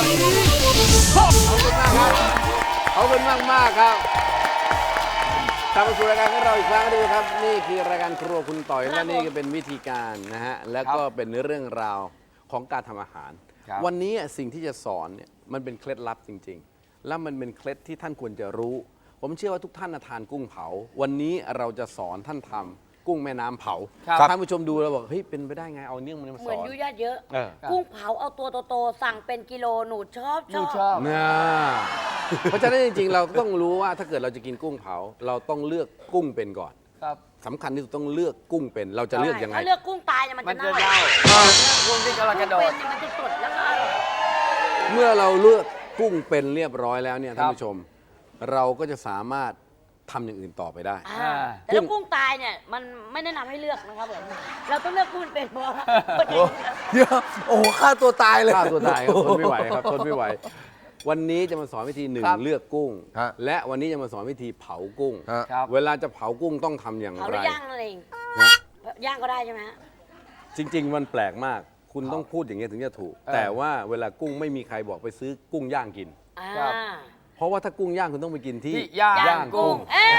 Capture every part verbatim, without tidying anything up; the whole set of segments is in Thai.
ขอบคุณมากมากครับกลับมาสู่รายการของเราอีกครั้งนึงครับนี่คือรายการครัวคุณต่อยและนี่ก็เป็นวิธีการนะฮะและก็เป็นเรื่องราวของการทำอาหารวันนี้สิ่งที่จะสอนเนี่ยมันเป็นเคล็ดลับจริงๆและมันเป็นเคล็ดที่ท่านควรจะรู้ผมเชื่อว่าทุกท่านทานกุ้งเผาวันนี้เราจะสอนท่านทำกุ้งแม่น้ำเผาท่านผู้ชมดูแล้วบอกเฮ้ยเป็นไปได้ไงเอาเนื่องมันมาสอนเหมือนยุ่ยยากเยอะเออกุ้งเผาเอาตัวโตๆสั่งเป็นกิโลหนูชอบชอบชอบนะเพราะฉะนั้นจริงๆเราต้องรู้ว่าถ้าเกิดเราจะกินกุ้งเผาเราต้องเลือกกุ้งเป็นก่อนครับสำคัญที่สุดต้องเลือกกุ้งเป็นเราจะเลือกยังไงถ้าเลือกกุ้งตายเนี่ยมันมัจะนเน่าจะเน่ากุ้งที่กำลังกระโดเป็ดนเนี่ยมันจะสดแล้วก็อร่อยเมื่อเราเลือกกุ้งเป็นเรียบร้อยแล้วเนี่ยครัท่านบผู้ชม เราก็จะสามารถทำอย่างอื่นต่อไปได้อ่าแต่ถ้ากุ้งตายเนี่ยมันไม่แนะนำให้เลือกนะครับผมเราต้องเลือกกุ้งเป็นเพราะว่าเดี๋ยวโอ้โหฆ่าตัวตายเลยฆ่าตัวตายครับทนไม่ไหวครับทนไม่ไหว วันนี้จะมาสอนวิธีหนึ่งครับเลือกกุ้งฮะและวันนี้จะมาสอนวิธีเผากุ้งฮะครับเวลาจะเผากุ้งต้องทำอย่างเผาหไรรือย่างนั่นเองนะย่างก็ได้ใช่ไหมฮะจริง ๆ มันแปลกมาก คุณต้องพูดอย่างนี้ยถึงจะถูก แต่ว่าเวลากุ้งไม่มีใครบอกไปซื้อกุ้งย่างกินอ่าครับเพราะว่าถ้ากุ้งย่างคุณต้องไปกินที่ที่ย่างย่างกุ้งเอ๊ะ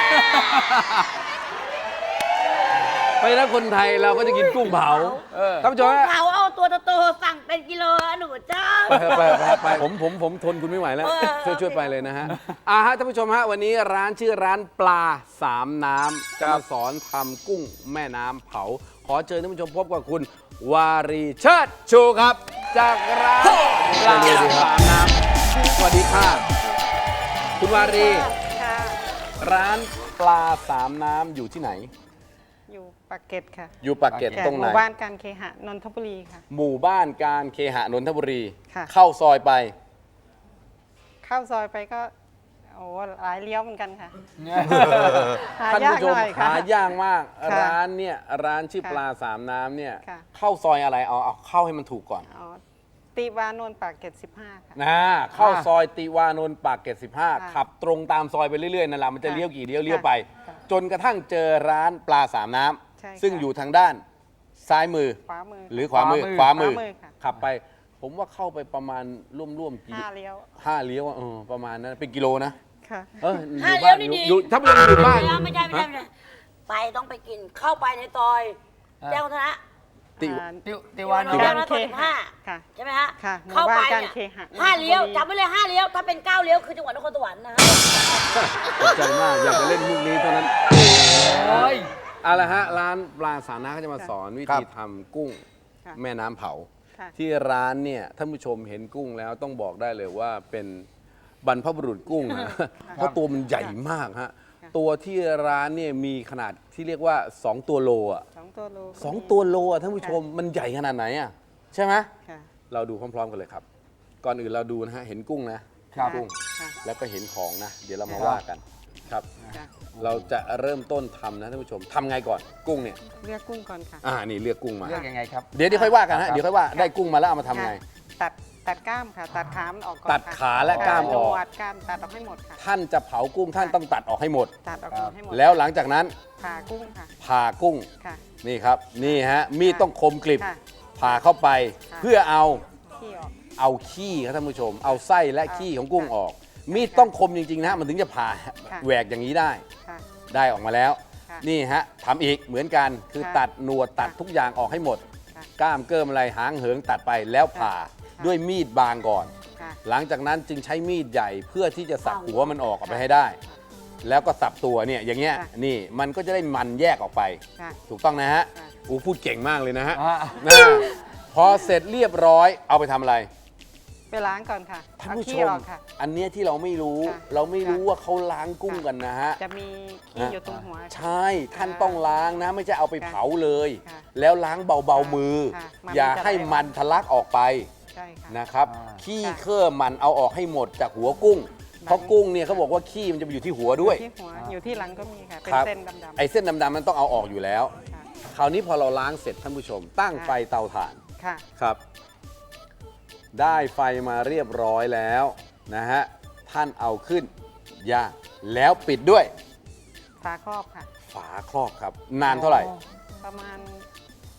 เพราะฉะนั้นคนไทยเราก็จะกินกุ้งเผาเออท่านผู้ชมกุ้งฮะเผาเอาตัวโตๆสั่งเป็นกิโลหนูชอบไปไปไปไปผมผมผมทนคุณไม่ไหวแล้วเออช่วยช่วยไปเลยนะฮะอ่าฮะท่านผู้ชมฮะวันนี้ร้านชื่อร้านปลาสามน้ำจะมาสอนทำกุ้งแม่น้ำเผา ขอเชิญท่านผู้ชมพบกับคุณวารีเชิดชูครับ จากร้านปลาสามน้ำสวัสดีค่ะคุณวารีค่ะร้านปลาสามน้ำอยู่ที่ไหนอยู่ปากเกร็ดค่ะอยู่ปากเกร็ดค่ะตรงหไหนมู่บ้านการเคหะนนทบุรีค่ะหมู่บ้านการเคหะนนทบุรีค่ะเข้าซอยไปเข้าซอยไปก็โอ้หลายเลี้ยวเหมือนกันค่ะหาท่านยากผู้ชหมน่อยค่ะหายากมากค่ะร้านเนี่ยร้านชื่อค่ะปลาสามน้ำเนี่ยค่ะเข้าซอยอะไรเอาเอาเข้าให้มันถูกก่อนอ๋อตีวานนท์ปากเกร็ดสิบห้าค่ะนะเข้าซอยติวานนท์ปากเกร็ดสิบห้าค่ะขับตรงตามซอยไปเรื่อยๆนั่นแหละมันจะค่ะเลี้ยวกี่เลี้ยวค่ะเลี้ยวไปค่ะจนกระทั่งเจอร้านปลาสามน้ใช่ำซึ่งค่ะอยู่ทางด้านซ้ายมือขวามือหรือขวามือขวามือขวามือขวามือค่ะขับไป ผมว่าเข้าไปประมาณร่วมๆกี่ห้าเลี้ยวห้าเลี้ยวอะเออประมาณนั้นเป็นกิโลนะค่ะเออห้าอยู่เลี้บ้ายวน ดีอยู่อยู่ถ้าไม่อยู่บ้านไม่ใช่ไม่ใช่ไม่ใช่ไปต้องไปกินเข้าไปในซอยแจ้งวัฒนะติวอ่าติวติวานตินวท์นท์ สิบห้าค่ะใช่ไหมฮะค่ะหมู่เข้าไปบ้านการเนี่ยเคหะห้าเลี้ยวนนทบุรีจำไว้เลยห้าเลี้ยวถ้าเป็นเก้าเลี้ยวคือจังหวัดนครสวรรค์นะฮะตกใจมากอยากจะเล่นมุกนี้เท่านั้นโอ้ยเอาละฮะร้านปลาสามน้ำเขาจะมาสอนวิครัธีบทำกุ้งค่ะแม่น้ำเผาค่ะที่ร้านเนี่ยท่านผู้ชมเห็นกุ้งแล้วต้องบอกได้เลยว่าเป็นบรรพบุรุษกุ้งนะเพราะตัวมันใหญ่มากฮะตัวที่ร้านเนี่ยมีขนาดที่เรียกว่า สอง ตัวโลอ่ะสองตัวโลสองตัวโลอ่ะท่านผู้ชมมันใหญ่ขนาดไหนอ่ะใช่ไหมค่ะเราดูพร้อมๆกันเลยครับ ก่อนอื่นเราดูนะฮะเห็นกุ้งนะครับ กุ้งค่ะแล้วก็เห็นของนะ เดี๋ยวเรามาครับว่ากันครับค่ะเราจะเริ่มต้นทำนะท่านผู้ชมทำไงก่อนกุ้งเนี่ยเลือกกุ้งก่อนค่ะอ่านี่เลือกกุ้งมาเลือกยังไงครับเดี๋ยวเดี๋ยวค่อยว่ากันครัฮะบเดี๋ยวค่อยว่าได้กุ้งมาแล้วเอามาทำไงค่ะตัดตัดกล้ามค่ะ ตัดขามันออกก่อนตัดค่ะขาและกล้ามออกหนวดกล้ามตัดออกให้หมดค่ะท่านจะเผากุ้งท่านต้องตัดออกให้หมดตัดออกให้หมดแล้วหลังจากนั้นผ่ากุ้งค่ะผ่ากุ้งค่ะนี่ครับนี่ฮะมีดต้องคมกริบค่ะผ่าเข้าไปค่ะเพื่อเอาขี้ออกเอาขี้ครับท่านผู้ชม เอาไส้และขี้ของกุ้งออก มีดต้องคมจริงๆนะฮะมันถึงจะผ่าค่ะแหวกอย่างนี้ได้ค่ะได้ออกมาแล้วค่ะนี่ฮะทำอีกเหมือนกันคือค่ะตัดหนวดตัดค่ะทุกอย่างออกให้หมดค่ะกล้ามเกิมอะไรหางเหิงตัดไปแล้วผ่าค่ะด้วยมีดบางก่อนค่ะหลังจากนั้นจึงใช้มีดใหญ่เพื่อที่จะสับหัวมันออกออกไปให้ได้ แล้วก็สับตัวเนี่ยอย่างเงี้ยค่ะนี่มันก็จะได้มันแยกออกไปค่ะถูกต้องนะฮะค่ะอูพูดเก่งมากเลยนะฮะอ่านะพอเสร็จเรียบร้อยเอาไปทำอะไรไปล้างก่อนค่ะท่านเอาผู้ชขี้มออกค่ะอันเนี้ยที่เราไม่รู้ค่ะเราไม่รู้ค่ะว่าเขาล้างกุ้งกันนะฮะจะมีขี้อยู่ตรงหัวใช่ท่านต้องล้างนะ ไม่ใช่เอาไปเผาเลยค่ะแล้วล้างเบาๆมือค่ะมันอย่าจะให้ไหลออกมันทะลักออกไปใช่ค่ะนะครับอ่าขี้ค่ะเครื่อมันเอาออกให้หมดจากหัวกุ้งหลังเพราะกุ้งเนี่ยเขาบอกว่าขี้มันจะไปอยู่ที่หัวด้วยที่หัวอยู่ที่หลังก็มีค่ะ เป็นครับเส้นดำไอ้เส้นดำๆมันต้องเอาออกอยู่แล้วๆค่ะคราวนี้พอเราล้างเสร็จท่านผู้ชม ตั้งค่ะไฟเตาถ่านค่ะครับ ได้ไฟมาเรียบร้อยแล้วนะฮะท่านเอาขึ้นย่างแล้วปิดด้วยฝาครอบค่ะฝาครอบครับ นานเท่าไหร่ประมาณ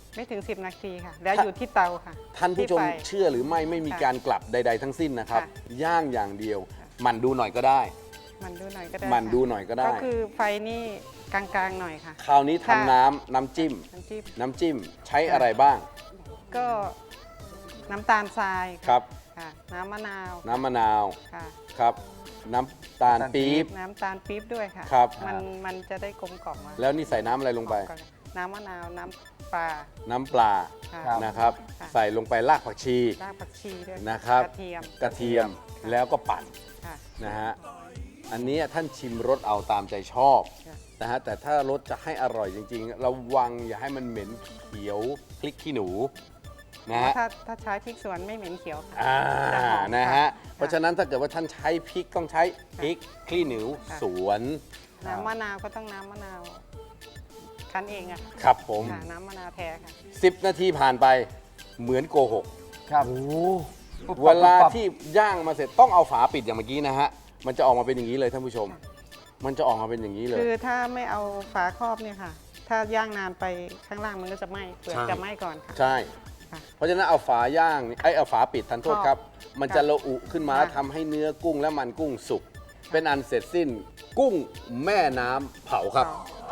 ไม่ถึง สิบ นาทีค่ะ แล้วอยู่ที่เตาค่ะท่านผู้ชมที่ไฟเชื่อหรือไม่ไม่มีค่ะการกลับใด ๆ ทั้งสิ้นนะครับค่ะย่างอย่างเดียวหมันดูหน่อยก็ได้มันดูหน่อยก็ได้หมั่นค่ะดูหน่อยก็ได้ก็คือไฟนี่กลางๆหน่อยค่ะคราวนี้ค่ะทำน้ำน้ำจิ้มน้ำจิ้มน้ำจิ้มใช้อะไรบ้างก็น้ำตาลทรายครับค่ะ น้ำมะนาวน้ำมะนาวค่ะครับ น้ำตาลปี๊บน้ำตาลปี๊บด้วยค่ะครับมันมันจะได้กลมกล่อมมาแล้วนี่ใส่น้ำอะไรลงไปกล่อมน้ำมะนาว น้ำปลาน้ำปลาค่ะนะครับค่ะใส่ลงไปรากผักชีรากผักชีด้วยนะครับกระเทียมกระเทียมแล้วก็ปั่นค่ะนะฮะอันนี้ท่านชิมรสเอาตามใจชอบค่ะนะฮะแต่ถ้ารสจะให้อร่อยจริงๆระวังอย่าให้มันเหม็นเขียวพริกขี้หนูนะฮะถ้าถ้าใช้พริกสวนไม่เหม็นเขียวค่ะอ่าจะหอมนะค่ฮะเพราะฉะนั้นถ้าเกิดว่าท่านใช้พริกต้องใช้พริกขี้หนูค่ะสวนน้ำมะนาวก็ต้องน้ำมะนาวคั้นเองอะค่ะครับผมค่ะน้ำมะนาวแท้ค่ะสิบนาทีผ่านไปเหมือนโกหกครับเวลาที่ย่างมาเสร็จต้องเอาฝาปิดอย่างเมื่อกี้นะฮะมันจะออกมาเป็นอย่างนี้เลยท่านผู้ชม มันจะออกมาเป็นอย่างนี้เลยคือถ้าไม่เอาฝาครอบเนี่ยค่ะ ถ้าย่างนานไปข้างล่างมันก็จะไหม้เปลือกใช่จะไหม้ก่อนค่ะใช่ค่ะเพราะฉะนั้นเอาฝาย่างไอ้ยเอาฝาปิดทันโทษครับ มันจะค่ะระอุขึ้นมาค่ะแล้วทำให้เนื้อกุ้งและมันกุ้งสุก เป็นอันเสร็จสิ้นกุ้งแม่น้ำเผาครับ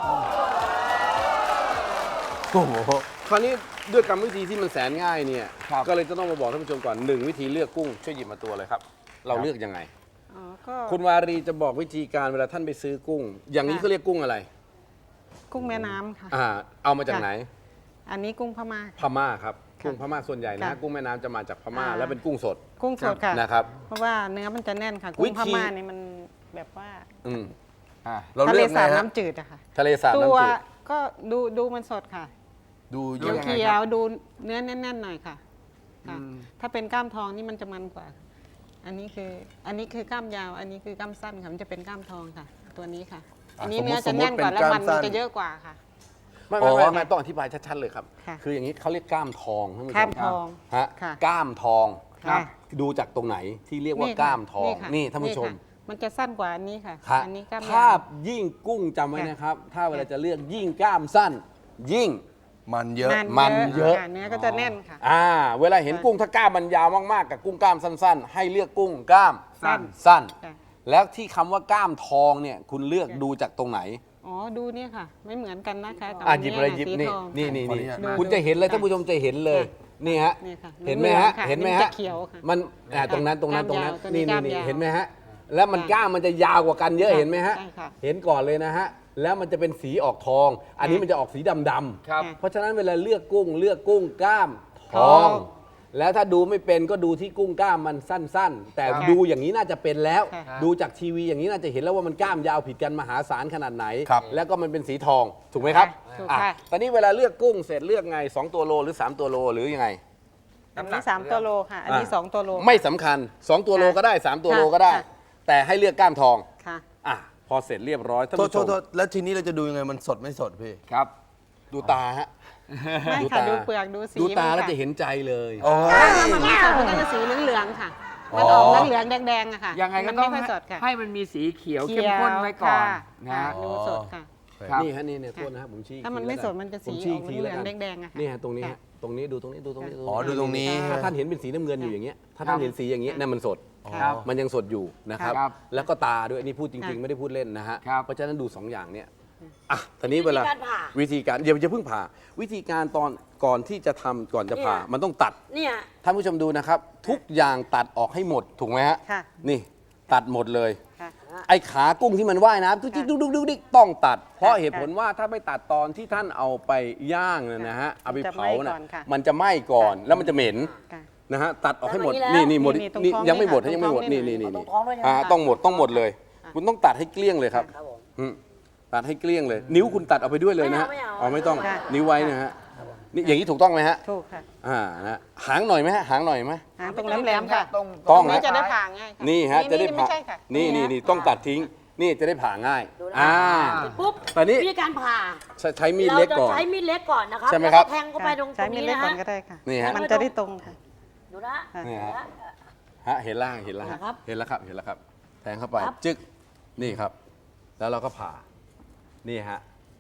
โอ้โหคราวนี้ด้วยกรรมวิธีที่มันแสนง่ายเนี่ยครับก็เลยจะต้องมาบอกท่านผู้ชมก่อนหนึ่งวิธีเลือกกุ้งช่วยหยิบมาตัวเลยครับ เราเลือกยังไงอ๋อก็คุณวารีจะบอกวิธีการเวลาท่านไปซื้อกุ้ง อย่างนี้ค่ะเขาเรียกกุ้งอะไรกุ้งแม่น้ำค่ะอ่าเอามาจากค่ะไหนอันนี้กุ้งพม่าพม่าครับค่ะกุ้งพม่าส่วนใหญ่นะค่ะกุ้งแม่น้ำจะมาจากพม่าอ่าแล้วเป็นกุ้งสดกุ้งสดค่ะนะครับเพราะว่าเนื้อมันจะแน่นค่ะวิกุ้งธีพม่านี่มันแบบว่าอืมอ่ะเราทะเลืเลอกไงสาบฮะน้ำจืดอะค่ะทะเลสาบตัน้ำวจืดก็ดูดูมันสดค่ะดูดูเยอะยังไงเขีคยรัวบดูเนื้อแน่นๆหน่อยค่ะค่ะอืมถ้าเป็นกล้ามทองนี่มันจะมันกว่า อันนี้คืออันนี้คือกล้ามยาว อันนี้คือกล้ามสั้นค่ะมันจะเป็นกล้ามทองค่ะ ตัวนี้ค่ะ อันนี้สมมุติเนื้อจะแน่นกว่าสมมุติแล้วเป็นมันกล้ามสั้นจะเยอะกว่าค่ะไม่ไม่อ๋ไม่อไม่ต้องอธิบายชัดๆเลยครับค่ะคืออย่างนี้เขาเรียกกล้ามทองท่านผู้ชกล้ามมทองฮะค่ะกล้ามทองค่ะดูจากตรงไหนที่เรียกว่าค่ะกล้ามทองค่ะนี่ท่านผู้ชมค่ะมันจะสั้นกว่าอันนี้ค่ะครับอันนี้กล้ามถ้ายาวยิ่งกุ้งจำไว้ค่ะนะครับ ถ้าเวลาจะเลือกยิ่งกล้ามสั้น ยิ่งมันเยอะมันเยอะค่เนื้อก็จะแน่นค่ะอ่าเวลาเห็นกุ้งถ้ากล้ามมันยาวมากๆกับกุ้งกล้ามสั้น ๆ ให้เลือกกุ้งกล้ามสั้นสั้นค่ะแล้วที่คำว่ากล้ามทองเนี่ยคุณเลือกค่ะดูจากตรงไหนอ๋อดูเนี่ยค่ะ ไม่เหมือนกันนะคะกับอ่ะอันหยิบนี้เลยค่ะหยิบสีนี่ทองนี่ค่ะนี่ขออนี่นุญาตดูคุณจะเห็นเลยค่ะท่านผู้ชมจะเห็นเลยค่ะนี่ฮะนี่ค่ะเห็นไหมฮะเหลืองๆค่ะเห็นไหมมันฮะจะเขียวค่ะมันอ่าตรงนั้นตรงนั้นตรงนั้นกล้ามยาวตัวนี้นี่กนี่ล้ามนี่ยาวเห็นไหมฮะแล้วมันกล้ามมันจะยาวกว่ากันเยอะค่ะเห็นไหมฮะใช่ค่ะเห็นก่อนเลยนะฮะแล้วมันจะเป็นสีออกทอง อันนี้มันจะออกสีดำดำครับเพราะฉะนั้นเวลาเลือกกุ้งเลือกกุ้งกล้ามททออง งแล้วถ้าดูไม่เป็นก็ดูที่กุ้งกล้ามมันสั้น ๆ แต่ค่ะดูอย่างนี้น่าจะเป็นแล้วค่ะดูจากทีวีอย่างนี้น่าจะเห็นแล้วว่ามันกล้ามยาวผิดกันมหาศาลขนาดไหนครับแล้วก็มันเป็นสีทองถูกไหมครับถูกอ่ะค่ะตอนนี้เวลาเลือกกุ้งเสร็จเลือกไงสองตัวโลหรือสามตัวโลหรือยังไงอันนี้สามตัวโลค่ะ อันนี้อ่ะสองตัวโลไม่สำคัญสองตัวโลก็ได้สามตัวโลก็ได้ค่ะแต่ให้เลือกกล้ามทองค่ะอ่ะพอเสร็จเรียบร้อยท่านโทษผู้โทชษมโทษแล้วทีนี้เราจะดูยังไงมันสดไม่สดพี่ครับดูตาฮะไม่ดูค่ะตาดูเปลือกดูสีดูตามันแล้วค่จะเห็นใจเลยโอ้ถ้าย มันไม่สดมันก็จะสีเหลืองๆค่ะ มันออกเหลืองๆแดงๆอะค่ะยังไงก็มันต้อไม่งค่อยสดค่ะให้มันมีสีเขียวเข้มข้นไว้ก่อนค่ะนะค่ะฮะดูสดค่ะครับนี่ฮะนี่เนี่ยโทษนะครับผมชี้อีกถ้ามันทีไม่แล้วสกัดมันจะสีผมชี้ออกทีเหลืแวองกันๆแดงๆอะค่ะนี่ฮะตรงนี้ค่ะฮะตรงนี้ดูตรงนี้ดูตรงนี้อ๋อดูตรงนี้ถ้าท่านเห็นเป็นสีน้ำเงินอยู่อย่างเงี้ยถ้าท่านเห็นสีอย่างเงี้ยนั่นมันสดครับมันยังสดอยู่นะครับครับแล้วก็ตาด้วยนี่พูดจริงค่ะๆ ไม่ได้พูดเล่นนะฮะครับเพราะฉะนั้นดูสองอย่างเนี่ยอ่ะตอนนี้เวลาวิธีการผ่าวิธีการอย่าอย่าเพิ่งผ่า วิธีการตอนก่อนที่จะทำก่อนจะผ่าเนี่ยมันต้องตัดเนี่ยท่านผู้ชมดูนะครับ ทุกอย่างตัดออกให้หมดถูกไหมฮะค่ะนี่ตัดหมดเลยค่ะไอ้ขากุ้งที่มันว่ายน้ำดุ๊กดิ๊กดุ๊กดิ๊กดุ๊กดิ๊กต้องตัด เพราะเหตุผลว่าถ้าไม่ตัดตอนที่ท่านเอาไปย่างเนยนะฮะเอาไปเผามันจะไหม้ก่นะอนค่ะมันจะไหม้ก่อนแล้วมันจะเหม็นค่ะนะฮะตัดออกให้หมดแล้วนี่นี่หมดนี่ตรงนี่ท้องยังไม่หมดนี่ค่ะยังไม่หมดตรงท้นี่องนี่นี่นี่ตรงท้องด้วยใช่ไหมอ่าคะต้องหมดต้องหมดเลย คุณต้องตัดให้เกลี้ยงเลยครับครับผมอืมตัดให้เกลี้ยงเลย นิ้วคุณตัดเอาไปด้วยเลยนะฮะไม่เอาอ๋อไม่ไม่เอาต้องค่ะนิ้วไว้นะฮะนี่อย่างนี้ถูกต้องไหมฮะถูกค่ะอ่านะหางหน่อยไหมฮะหางหน่อยไหมหางตรงแหลมๆค่ะตรงต้องนี้นะจะได้ผ่าง่ายค่ะนี่ฮะจะได้ไม่ผ่าใช่ค่ะนี่นี่นี่ต้องตัดทิ้ง นี่จะได้ผ่าง่ายดูนะอ่าปุ๊บตอนนี้วิธีการผ่าใช้ใช้มีดเล็กก่อนราจะใช้มีดเล็กก่อนนะครับใช่ไหมครับแล้วก็แทงเข้าไปตรงตใช้รงมีดนี้เล็กนะก่อฮะนก็ได้ค่ะนี่ฮะมันจะได้ตรงค่ะดูนะค่ะนี่ฮะนะฮะเห็นล่างเห็นแล้วฮะครับเห็นแล้วครับเห็นแล้วครับ แทงเข้าไปครับจึ๊กนี่ครับ แล้วเราก็ผ่านี่ฮะ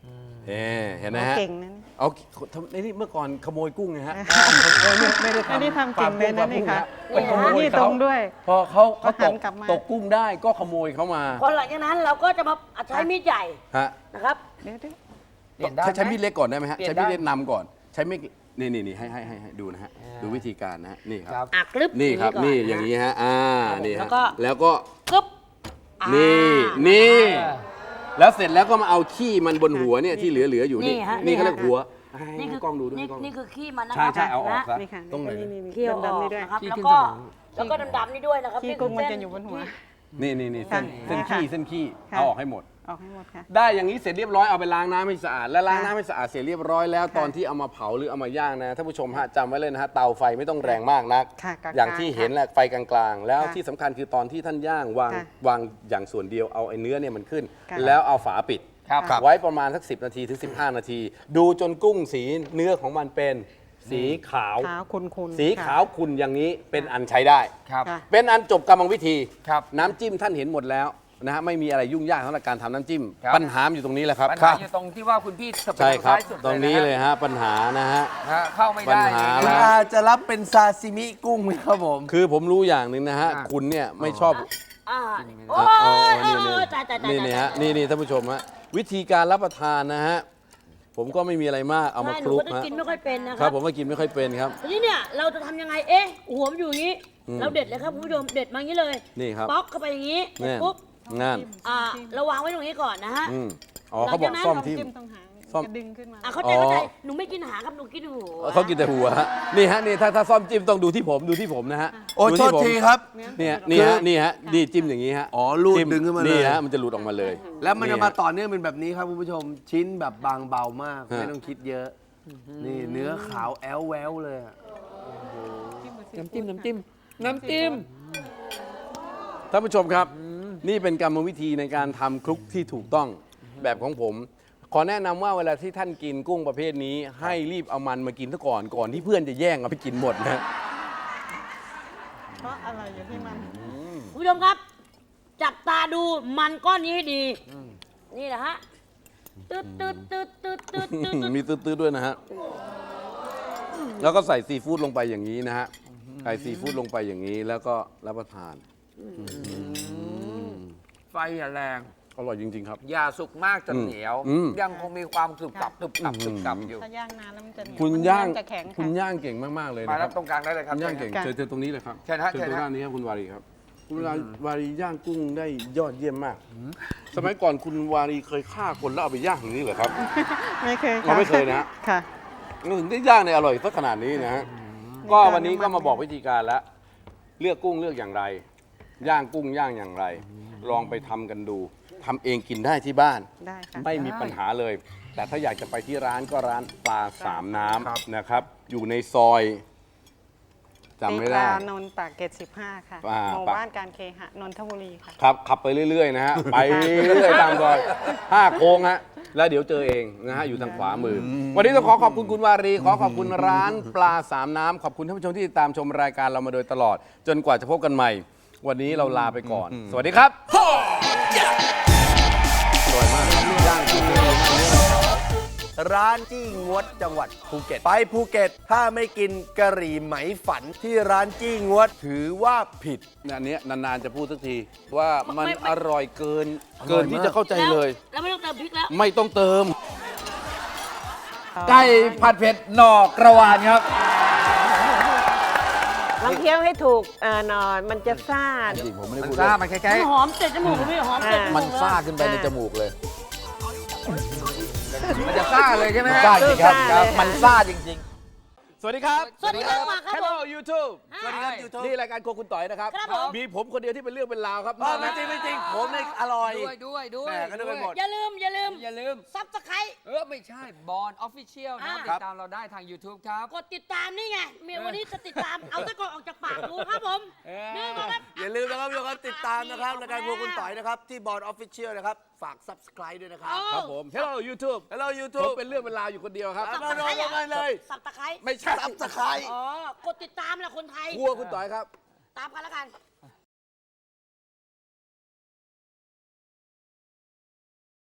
เอ๊ะเห็นไหมเขาฮะเก่งนะนี่เอาทำไอ้นี่เมื่อก่อนขโมยกุ้งไงฮะเออเออไม่ไม่ได้ไม่ได้ทำทำเก่งเลยนะนี่ค่ะไปขโมยนี่เขาตรงด้วยพอเขาเขาเขาหัตนกกลับมาตกกุ้งได้ก็ขโมยเขามาพอหลังจากนั้นเราก็จะมาใช้มีดใหญ่ฮะนะครับเดี๋ยวเดี๋ยวเปลี่ยนได้ใช้ใช้ไหมมีดเล็กก่อนได้ไหมฮะเปลี่ยนใช้มีดได้เล็กนำก่อน ใช้มีดนี่นี่นี่ให้ให้ให้ให้ดูนะฮะอ่าดูวิธีการนะฮะนี่คครัรับบอ่ะกรึบนี่ครับก่นี่ะอย่างนี้ฮะอ่านี่แล้ฮะวก็แล้วก็กรึบอ่านี่นี่แล้วเสร็จแล้วก็มาเอาขี้มันบนหัวเนี่ยที่เหลือเหลืออยู่นี่นี่ฮะนี่เขานี่เรียฮะกหัวให้นี่คือให้กล้องดูด้วยนี่ให้กล้องนี่คือขี้มันนะคใช่รับใช่เอาออกนะซะนี่ค่ะตรงไหนนี่นี่นี่เคี่ยวอดำอๆกนี่ด้วยนะครับขี้แล้วขึ้นก็สมองแล้วก็ดำๆนี่ด้วยนะครับขี้นี่คืกุ้งมันเส้จะอยู่บนหัวนี่นี่นี่เส้นค่ะเส้นขี้เส้นขี้ค่ะเอาออกให้หมดออกให้หมดค่ะได้อย่างนี้เสร็จเรียบร้อยเอาไปล้างน้ำให้สะอาดและล้างค่ะน้ำให้สะอาดเสร็จเรียบร้อยแล้วค่ะตอนที่เอามาเผาหรือเอามาย่างนะท่านผู้ชมฮะจำไว้เลยนะฮะเตาไฟไม่ต้องแรงมากนักค่ะกลางๆอย่างที่เห็นแหละไฟกลางๆ แล้วค่ะที่สำคัญคือตอนที่ท่านย่างวางค่ะวางอย่างส่วนเดียวเอาไอ้เนื้อเนี่ยมันขึ้นค่ะแล้วเอาฝาปิดครับครับไว้ประมาณสักสิบนาทีถึงสิบห้านาที ดูจนกุ้งสีเนื้อของมันเป็นสีขาวขาวคุณๆสีค่ะขาวขุ่นอย่างนี้เป็นอันใช้ได้ครับค่ะเป็นอันจบกรรมวิธีครับน้ำจิ้มท่านเห็นหมดแล้วนะฮะไม่มีอะไรยุ่งยากสำหรับการทำน้ำจิ้มครับปัญหาอยู่ตรงนี้แหละครับปัญหาอยู่ตรงที่ว่าคุณพี่สเปใช่ครับท้ายสุดตรงนี้เลยฮะปัญหานะฮะนะฮะเข้าไม่ปัญได้หาคุณแล้วอาจะรับเป็นซาซิมิกุ้งไหมครับผมคือผมรู้อย่างหนึ่งนะฮะอ่าคุณเนี่ยไม่ชอบอ่ากินไม่ได้โอ้อ่ะอ๋อยโอ้นี่ยนี่โอ้ยตายตายตายนี่นี่ฮะตายนี่นี่ท่านผู้ชมฮะวิธีการรับประทานนะฮะผมก็ไม่มีอะไรมากเอามาใช่คหนูลุกก็จะฮะกินไม่ค่อยเป็นนะคครัรับผมก็กินไม่ค่อยเป็นครับทีนี้เนี่ยเราจะทำยังไงเอ๊ะหัวมันอยู่อย่างนี้อืมเราเด็ดเลยครับคุณผู้ชมเด็ดมาอย่างนี้เลยนี่ครับป๊อกเข้าไปอย่างนี้นี่ปุ๊บงานอ่าเราวางไว้ตรงนี้ก่อนนะฮะอืมอ๋อเขาบอกหลังจากนั้นซ่อมต้องทิ่มจิ้มตรงหางซ่อมจะดึงขึ้นมาอ่ะเข้าใจอ๋อเข้าใจหนูไม่กินหางครับหนูกินหัวเขากินแต่หัวฮะนี่ฮะนี่ถ้าถ้าซ่อมจิ้มต้องดูที่ผมดูที่ผมนะฮะโอ้ดูโทษผมทีครับเนี่ยนี่ฮะนี่ฮะนี่จิ้มอย่างนี้ฮะอ๋อลูดจิ้ดึงขึ้นมาเลยนี่ฮะมันจะหลุดออกมาเลยแล้วมันจะฮมาต่อเนื่องเป็นแบบนี้ครับคุณผู้ชม ชิ้นแบบบางเบามากฮะไม่ต้องคิดเยอะ นี่เนื้อขาวแอลแววเลยอะน้ำจิ้มน้ำจิ้มน้ำจิ้มท่านผู้ชมครับ นี่เป็นกรรมวิธีในการทำคลุกที่ถูกต้องแบบของผม ขอแนะนำว่าเวลาที่ท่านกินกุ้งประเภทนี้ ให้รีบเอามันมากินซะก่อนก่อนที่เพื่อนจะแย่งเอาไปกินหมดนะเพราะอะไรอยู่ที่มันคุณผู้ชมครับ จับตาดูมันก้อนนี้ให้ดี นี่แหละฮะตืดตืดตืดตืดตืดตืดมีตื้อๆด้วยนะฮะ แล้วก็ใส่ซีฟู้ดลงไปอย่างนี้นะฮะ ใส่ซีฟู้ดลงไปอย่างนี้แล้วก็รับประทานไฟอย่าแรงอร่อยจริง ๆ ครับอย่าสุกมากจนอืมเหนียวอืมยังคงมีความกรึบกรับกรึบกรับกรึบกรับอยู่ถ้าย่างนานแล้วมันจะเหนียวคุณมันย่างจะแข็งคุณค่ะย่างเก่งมากๆเลยมานะครัรับบ ตรงกลางได้เลยครับคุณย่างเก่งค่ะเชิญเชิญตรงนี้เลยครับเชิญฮะเชิญเชิญตรงฮะด้านนี้ครับคุณวารีครับ คุณวารีวารีย่างกุ้งได้ยอดเยี่ยมมาก สมัยก่อนคุณวารีเคยฆ่าคนแล้วเอาไปย่างอย่างนี้เหรอครับไม่เคยเราไม่เคยนะฮะค่ะถึงได้ย่างในอร่อยสักขนาดนี้นะฮะ ก็การวันนี้ก็น้ำมันมาบอกวิธีการแล้ว เลือกกุ้งเลือกอย่างไร ย่างกุ้งย่างอย่างไร ลองไปทำกันดูทำเองกินได้ที่บ้านได้ค่ะไม่มีปัญหาเลย แต่ถ้าอยากจะไปที่ร้านก็ร้านปลาสามน้ำนะครับ อยู่ในซอยจำไม่ได้ตีปลานนท์ปากเกร็ดสิบห้าค่ะอ่าหมู่ปากบ้านการเคหะนนทบุรีค่ะครับขับไปเรื่อย ๆ นะฮะ ไปเรื่อยๆตามซอยห้าโค้งฮะแล้วเดี๋ยวเจอเองนะฮะ อยู่ทางขวามือ วันนี้ต้องขอขอบคุณคุณวารี ขอขอบคุณร้านปลาสามน้ำขอบคุณท่านผู้ชมที่ติดตามชมรายการเรามาโดยตลอด จนกว่าจะพบกันใหม่ วันนี้เราลาไปก่อน สวัสดีครับอร่อยมากครับย่างกุ้งเลยมากเลยร้านจี้งวดจังหวัดภูเก็ต ไปภูเก็ต ถ้าไม่กินกะหรี่ไหมฝันที่ร้านจี้งวดถือว่าผิดอันเนี้ยนานๆจะพูดสักทีว่ามันไม่ไม่อร่อยเกินอร่อยเกินที่มากจะเข้าใจเลยแล้วไม่ต้องเติมพริกแล้วไม่ต้องเติมไก่ผัดเผ็ดหน่อกระวานครับลองเคี้ยวให้ถูกเอ่อหน่อยมันจะซ่าจริงผมไม่ได้มันพูดซ่าเล่นมันคล้ามัยนหอมเตะจมูกพี่หอมเตะจมูกมันซ่าขึ้นไปในจมูกเลยๆมันจะซ่าเลยใช่ไหมฮะซ่าจริงครับซ่าเลยค่ะมันซ่าจริง ๆ สวัสดีครับสวัสดีครับมาครับผม Hello YouTube สวัสดีครับ YouTube นี่รายการโครัวคุณต่อยนะครับครับผมมีผมคนเดียวที่เป็นเรื่องเป็นราวครับอ๋อไม่จริงไม่จริง ผมเนี่ยอร่อยด้วยด้วยด้วยแหม่ก็นึกไปหมดอย่าลืม อย่าลืมอย่าลืมซับสไครต์เออ ไม่ใช่บอลออฟฟิเชียลนะอ่าติดตามเราได้ทาง YouTube ครับกดติดตามนี่ไงเมียวันนี้จะติดตาม เอาตะกอนออกจากปากดูครับผมเออนี่ก็ครับอย่าลืมนะครับทุกคนติดตามนะครับรายการครัวคุณต่อยนะครับ ที่บอร์ดออฟฟิเชียลนะครับ ฝาก subscribe ด้วยนะครับครับผม Hello YouTube Hello ผม YouTube เป็นเรื่องเป็นราวอยู่คนเดียวครับมาโดนกันเลยสับตะไคร้ไม่ใช่ subscribe อ๋อ กดติดตามแหละคนไทยครัวคุณต่อยครับตามกันแล้วกัน